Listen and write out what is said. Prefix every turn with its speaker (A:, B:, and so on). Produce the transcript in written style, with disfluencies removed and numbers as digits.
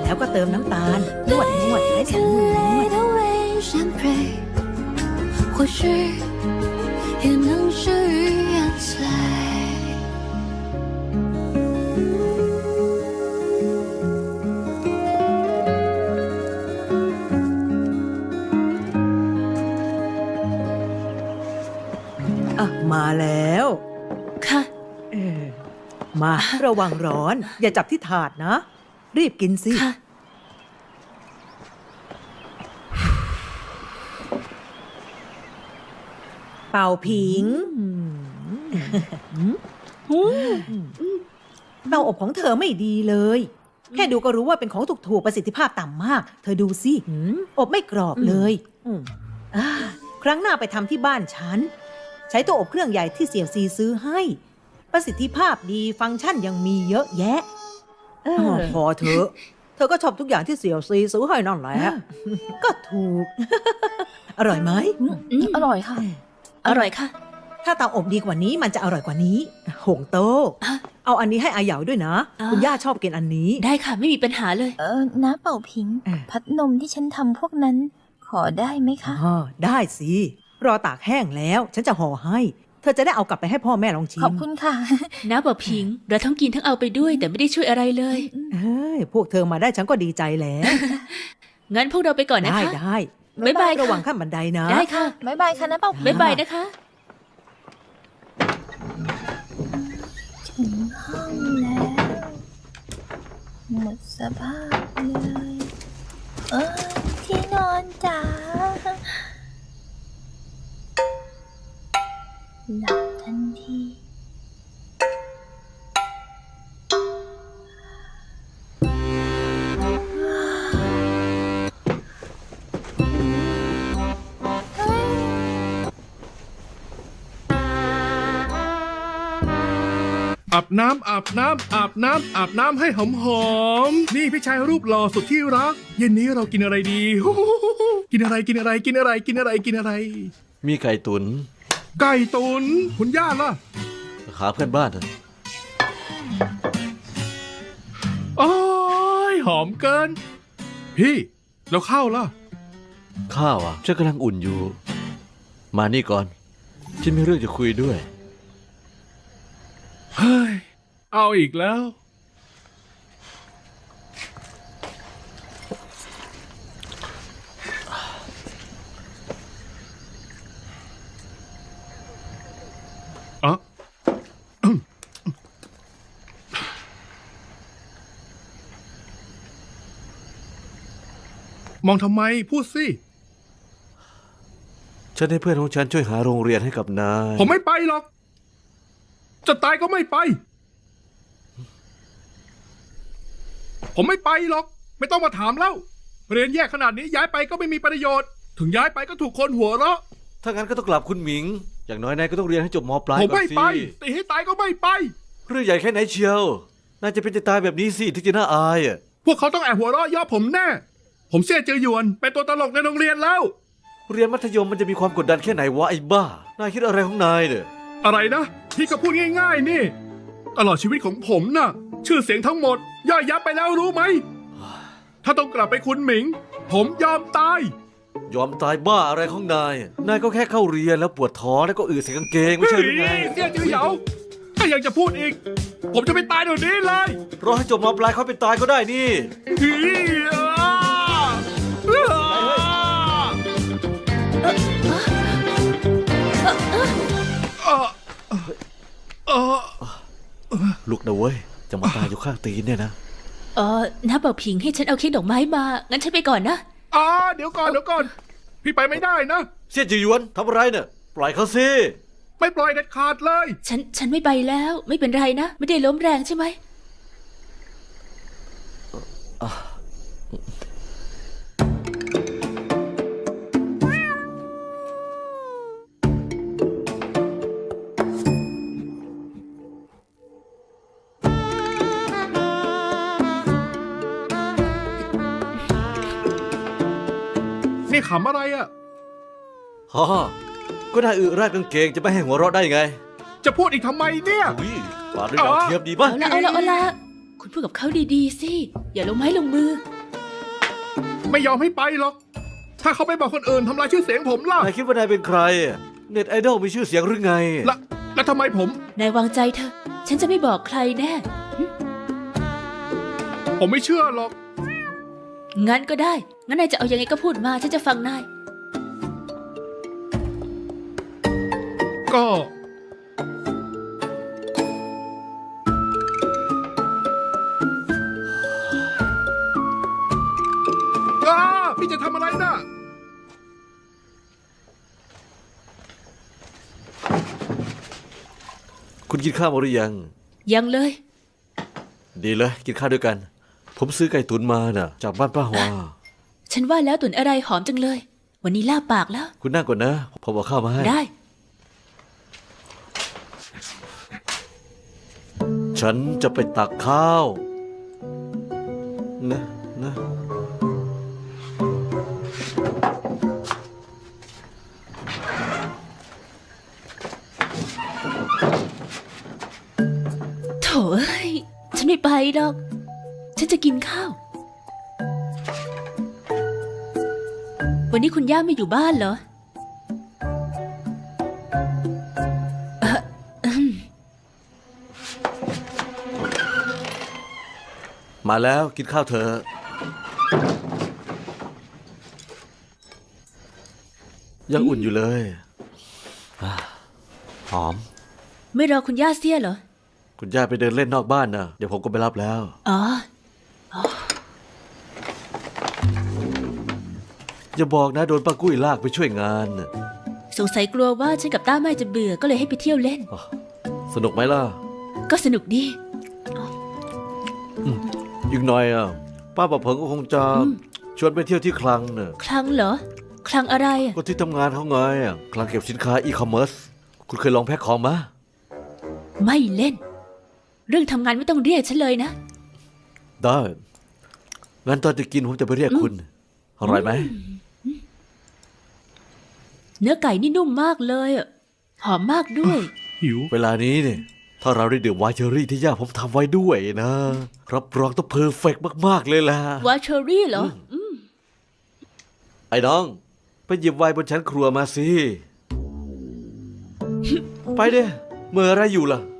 A: แล้วก็เติมน้ำตาลนวดให้สองมือนวด
B: 或许也能是语言碎。
A: มาแล้ว
C: ค่ะ
A: มาระวังร้อน อย่าจับที่ถาดนะ รีบกินสิ
C: ค่ะ
A: เป่าผิงเตาอบของเธอไม่ดีเลย แค่ดูก็รู้ว่าเป็นของถูกๆประสิทธิภาพต่ำมาก เธอดูสิอบไม่กรอบเลยครั้งหน้าไปทำที่บ้านฉัน ใช้ตัวอบเครื่องใหญ่ที่เสี่ยวซีซื้อให้ ประสิทธิภาพดีฟังก์ชันยังมีเยอะแยะพอเถอะ เธอก็ชอบทุกอย่างที่เสี่ยวซีซื้อให้นั่นแหละก็ถูก อร่อยไหม
C: อร่อยค่ะ อร่อยค่ะ
A: ถ้าเตาอบดีกว่านี้มันจะอร่อยกว่านี้หงโต้เอาอันนี้ให้อาเหยาด้วยนะ คุณย่าชอบกินอันนี้
C: ได้ค่ะไม่มีปัญหาเลย
D: น้าเป่าผิง พัดนมที่ฉันทำพวกนั้น ขอได้ไหมคะ
A: ได้สิ รอตากแห้งแล้ว ฉันจะห่อให้ เธอจะได้เอากลับไปให้พ่อแม่ลองชิม
D: ขอบคุณค่ะ
C: น้าบอกพิง เราทั้งกินทั้งเอาไปด้วย แต่ไม่ได้ช่วยอะไรเลย
A: พวกเธอมาได้ฉันก็ดีใจแล้ว
C: งั้นพวกเราไปก่อนนะคะ
A: ได้
C: บ๊ายบายค่ะ
A: ระวังขั้นบันไดนะ
C: ได้ค่ะ
D: บ๊ายบายค่ะน้าเป่าผิง
C: บ๊ายบายนะคะ
D: ถึงห้องแล้ว หมดสภาพเลย ที่นอนจ๋าหลับทันที
E: อาบน้ำให้หอมๆนี่พี่ชายรูปหล่อสุดที่รัก เย็นนี้เรากินอะไรดี กินอะไร
F: มีไก่ตุน
E: ไก่ตุนคุณย่าล่ะ
F: หาเพื่อนบ้านเถอะ
E: โอ้ยหอมเกิน พี่แล้วข้าวล่ะ
F: ข้าวอ่ะฉันกำลังอุ่นอยู่ มานี่ก่อน ฉันมีเรื่องจะคุยด้วย
E: เฮ้ยเอาอีกแล้วอะมองทำไมพูดสิ
F: ฉันให้เพื่อนของฉันช่วยหาโรงเรียนให้กับนาย
E: ผมไม่ไปหรอก จะตายก็ไม่ไป ผมไม่ไปหรอก ไม่ต้องมาถามแล้ว เรียนแยกขนาดนี้ย้ายไปก็ไม่มีประโยชน์ ถึงย้ายไปก็ถูกคนหัวเราะ
F: ถ้างั้นก็ต้องกลับคุณหมิง อย่างน้อยนายก็ต้องเรียนให้จบม.ปลาย
E: ผม
F: ก่อน
E: ไม่
F: สิ
E: ไปตีให้ตายก็ไม่ไป
F: เรื่องใหญ่แค่ไหนเชียว นายจะเป็นจะตายแบบนี้สิที่จะน่าอายอ่ะ
E: พวกเขาต้องแอบหัวเราะย่อผมแน่ ผมเสี่ยเจอหยวนเป็นตัวตลกในโรงเรียนแล้ว
F: เรียนมัธยมมันจะมีความกดดันแค่ไหนวะไอ้บ้า นายคิดอะไรของนายเนี่ย
E: อะไรนะพี่ก็พูดง่ายๆนี่ ตลอดชีวิตของผมน่ะ ชื่อเสียงทั้งหมด ย่อยยับไปแล้วรู้ไหม ถ้าต้องกลับไปคุณหมิง ผมยอมตาย
F: ยอมตายบ้าอะไรของนาย นายก็แค่เข้าเรียนแล้วปวดท้องแล้วก็อืดใส่กางเกงไม่ใช่หรือไง
E: เสี่ยจือเหยาถ้ายังจะพูดอีก ผมจะไปตายเดี๋ยวนี้เลย
F: รอให้จบม.ปลายค่อยไปตายก็ได้นี่
E: ฮีอ่า
F: ลุกนะเว้ย จะมาตายอยู่ข้างตีนเนี่ยนะ
C: น้าบอกพิงให้ฉันเอาเค้กดอกไม้มา งั้นฉันไปก่อนนะ
E: เดี๋ยวก่อน พี่ไปไม่ได้นะ
F: เสี่ยจือหยวนทำอะไรเนี่ย ปล่อยเขาสิ
E: ไม่ปล่อยเด็ดขาดเลย
C: ฉันไม่ไปแล้ว ไม่เป็นไรนะ ไม่ได้ล้มแรงใช่ไหม
E: นี่ขำอะไรอ่ะ
F: ฮ่าก็น่าอึราดกางเกงจะไม่ให้หัวเราะได้ไง
E: จะพูดอีกทำไมเนี่ย
F: อุ้ยปาดด้วยดาวเทียมดีป่ะ
C: เอาละคุณพูดกับเขาดีๆสิ อย่าลงไม้ลงมือ
E: ไม่ยอมให้ไปหรอก ถ้าเขาไปบอกคนอื่นทำลายชื่อเสียงผมล่ะ
F: นายคิดว่านายเป็นใคร เน็ตไอดอลมีชื่อเสียงหรือไง
E: แล้วทำไมผม
C: นายวางใจเถอะ ฉันจะไม่บอกใครแน่
E: ผมไม่เชื่อหรอก
C: งั้นก็ได้ งั้นนายจะเอายังไงก็พูดมา ฉันจะฟังนาย
E: ก็ พี่จะทำอะไรนะ
F: คุณกินข้าวมาหรือยัง
C: ยังเลย
F: ดีเลย กินข้าวด้วยกัน ผมซื้อไก่ตุ๋นมาน่ะ จากบ้านป้าฮวา
C: ฉันว่าแล้วตุ๋นอะไรหอมจังเลย วันนี้ลาบปากแล้ว
F: คุณนั่งก่อนนะ ผมเอาข้าวมาให้
C: ได้
F: ฉันจะไปตักข้าว นะ
C: โถเอ้ย ฉันไม่ไปหรอก ฉันจะกินข้าว วันนี้คุณย่าไม่อยู่บ้านเหรอ
F: มาแล้วกินข้าวเถอะยังอุ่นอยู่เลยอ่าหอม
C: ไม่รอคุณย่าเสียเหรอ
F: คุณย่าไปเดินเล่นนอกบ้านนะเดี๋ยวผมก็ไปรับแล้ว
C: อ๋อ
F: อย่าบอกนะโดนป้ากุ้ยลากไปช่วยงานน่ะ
C: สงสัยกลัวว่าฉันกับต้าแม่จะเบื่อก็เลยให้ไปเที่ยวเล่น
F: อ๋อสนุกไหมล่ะ
C: ก็สนุกดี
F: อีกหน่อยอ่ะป้าประเพิงก็คงจะชวนไปเที่ยวที่คลังน่ะ
C: คลังเหรอ คลังอะไรอะ
F: ก็ที่ทำงานเขาไงอ่ะคลังเก็บสินค้าอีคอมเมิร์ซคุณเคยลองแพ็คของมะ
C: ไม่เล่น เรื่องทำงานไม่ต้องเรียกฉันเลยนะ
F: ได้งั้นตอนจะกินผมจะไปเรียกคุณอร่อยไหม
C: เนื้อไก่นี่นุ่มมากเลยอะหอมมากด้วย
E: หิว
F: เวลานี้เนี่ยถ้าเราได้ดื่มไวน์เชอรี่ที่ย่าผมทำไว้ด้วยนะรับรองต้องเพอร์เฟกต์มากๆเลยล่ะ
C: วาเชอรี่เหรอ
F: ไอ้น้อง ไปหยิบไวน์บนชั้นครัวมาสิ ไปเด้เมื่ออะไรอยู่ล่ะ